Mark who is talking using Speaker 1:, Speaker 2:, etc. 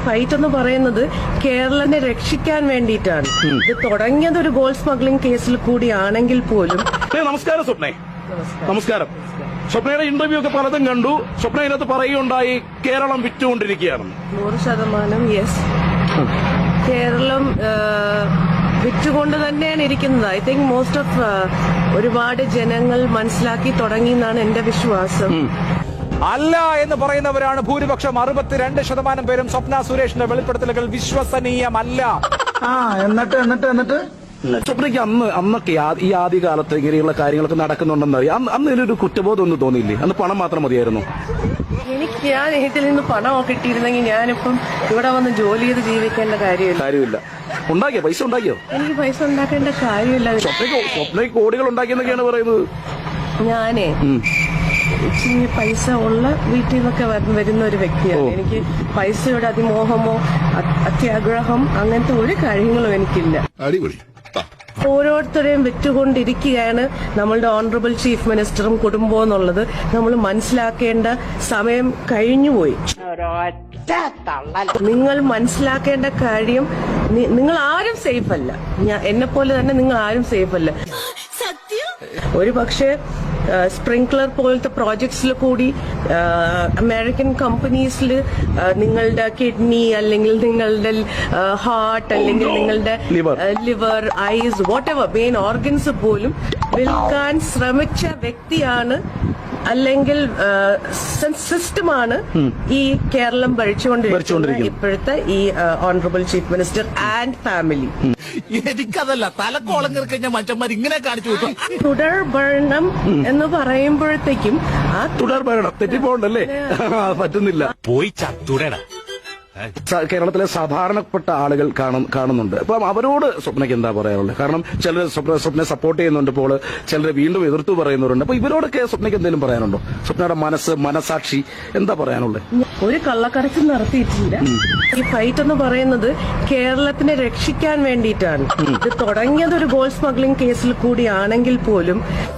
Speaker 1: Fight എന്ന് പറയുന്നത് കേരളനെ രക്ഷിക്കാൻ വേണ്ടിയിട്ടാണ്. ഇത് തുടങ്ങിയത് ഒരു ഗോൾഡ് സ്മഗ്ലിംഗ് കേസിൽ കൂടിയാണെങ്കിൽ പോലും.
Speaker 2: നമസ്കാരം സ്വപ്നേ. നമസ്കാരം. സ്വപ്നയുടെ ഇന്റർവ്യൂ ഒക്കെ പലതും കണ്ടു. സ്വപ്ന ഇതിനകത്ത് പറയുകയുണ്ടായി കേരളം വിറ്റുകൊണ്ടിരിക്കുകയാണെന്ന്.
Speaker 1: 100% യെസ്. കേരളം വിറ്റുകൊണ്ട് തന്നെയാണ് ഇരിക്കുന്നത്. ഐ തിങ്ക് മോസ്റ്റ് ഓഫ് ഒരുപാട് ജനങ്ങൾ മനസ്സിലാക്കി തുടങ്ങി എന്നാണ് എന്റെ വിശ്വാസം.
Speaker 3: അല്ല എന്ന് പറയുന്നവരാണ് ഭൂരിപക്ഷം. 62% പേരും സ്വപ്ന സുരേഷിന്റെ വെളിപ്പെടുത്തലുകൾ വിശ്വസനീയമല്ല.
Speaker 2: എന്നിട്ട് സ്വപ്നയ്ക്ക് അന്നൊക്കെ ഈ ആദ്യകാലത്ത് ഇങ്ങനെയുള്ള കാര്യങ്ങളൊക്കെ നടക്കുന്നുണ്ടെന്ന് അറിയാം. അന്ന് ഇതിലൊരു കുറ്റബോധം ഒന്നും തോന്നിയില്ലേ? അന്ന് പണം മാത്രം മതിയായിരുന്നു.
Speaker 1: ഞാൻ ഇതിൽ നിന്ന് പണം കിട്ടിയിരുന്നെങ്കിൽ ഞാനിപ്പം ഇവിടെ വന്ന് ജോലി ചെയ്ത് ജീവിക്കേണ്ട കാര്യമില്ല.
Speaker 2: ഉണ്ടാക്കിയോ? പൈസ ഉണ്ടാക്കിയോ?
Speaker 1: എനിക്ക് പൈസ ഉണ്ടാക്കേണ്ട കാര്യമില്ല.
Speaker 2: സ്വപ്നയ്ക്ക് കോടികൾ ഉണ്ടാക്കിയെന്നൊക്കെയാണ് പറയുന്നത്.
Speaker 1: ഞാനേ ഇച്ചിരി പൈസ ഉള്ള വീട്ടിൽ നിന്നൊക്കെ വരുന്ന ഒരു വ്യക്തിയാണ്. എനിക്ക് പൈസയുടെ അതിമോഹമോ അത്യാഗ്രഹം അങ്ങനത്തെ ഒരു കാര്യങ്ങളും എനിക്കില്ല. ഓരോരുത്തരെയും വിറ്റുകൊണ്ടിരിക്കുകയാണ് നമ്മളുടെ ഓണറബിൾ ചീഫ് മിനിസ്റ്ററും കുടുംബവും എന്നുള്ളത് നമ്മൾ മനസ്സിലാക്കേണ്ട സമയം കഴിഞ്ഞുപോയി. നിങ്ങൾ മനസ്സിലാക്കേണ്ട കാര്യം, നിങ്ങൾ ആരും സേഫ് അല്ല. എന്നെ പോലെ തന്നെ നിങ്ങൾ ആരും സേഫ് അല്ല. ഒരു പക്ഷേ സ്പ്രിങ്ക്ലർ പോലത്തെ പ്രോജക്ട്സിൽ കൂടി അമേരിക്കൻ കമ്പനീസിൽ നിങ്ങളുടെ കിഡ്നി അല്ലെങ്കിൽ നിങ്ങളുടെ ഹാർട്ട് അല്ലെങ്കിൽ നിങ്ങളുടെ liver, eyes, whatever main organs പോലും വിൽക്കാൻ ശ്രമിച്ച വ്യക്തിയാണ് അല്ലെങ്കിൽ സിസ്റ്റമാണ് ഈ കേരളം ഭരിച്ചുകൊണ്ടിരിക്കുന്നത് ഇപ്പോഴത്തെ ഈ honourable chief minister and family.
Speaker 4: എനിക്കതല്ല തലക്കോളം കിറക്കഞ്ഞ മനുഷ്യന്മാർ ഇങ്ങനെ കാണിച്ചു കൊടുക്കും.
Speaker 1: തുടർ ഭരണം എന്ന് പറയുമ്പോഴത്തേക്കും ആ
Speaker 2: തുടർ ഭരണം തെറ്റിപ്പോണ്ടല്ലേ? പറ്റുന്നില്ല.
Speaker 4: പോയി ചത്തുടട.
Speaker 2: കേരളത്തിലെ സാധാരണപ്പെട്ട ആളുകൾ കാണുന്നുണ്ട്. അപ്പം അവരോട് സ്വപ്നയ്ക്ക് എന്താ പറയാനുള്ളത്? കാരണം ചിലർ സ്വപ്നയെ സപ്പോർട്ട് ചെയ്യുന്നുണ്ട്, ഇപ്പോൾ ചിലർ വീണ്ടും എതിർത്തു പറയുന്നവരുണ്ട്. അപ്പൊ ഇവരോടൊക്കെ സ്വപ്നയ്ക്ക് എന്തെങ്കിലും പറയാനുണ്ടോ? സ്വപ്നയുടെ മനസാക്ഷി എന്താ പറയാനുള്ളത്?
Speaker 1: ഒരു കള്ളക്കടത്ത് നടത്തിയിട്ടില്ല. ഈ ഫൈറ്റ് എന്ന് പറയുന്നത് കേരളത്തിനെ രക്ഷിക്കാൻ വേണ്ടിയിട്ടാണ്. ഇത് തുടങ്ങിയത് ഒരു ഗോൾഡ് സ്മഗ്ലിംഗ് കേസിൽ കൂടിയാണെങ്കിൽ പോലും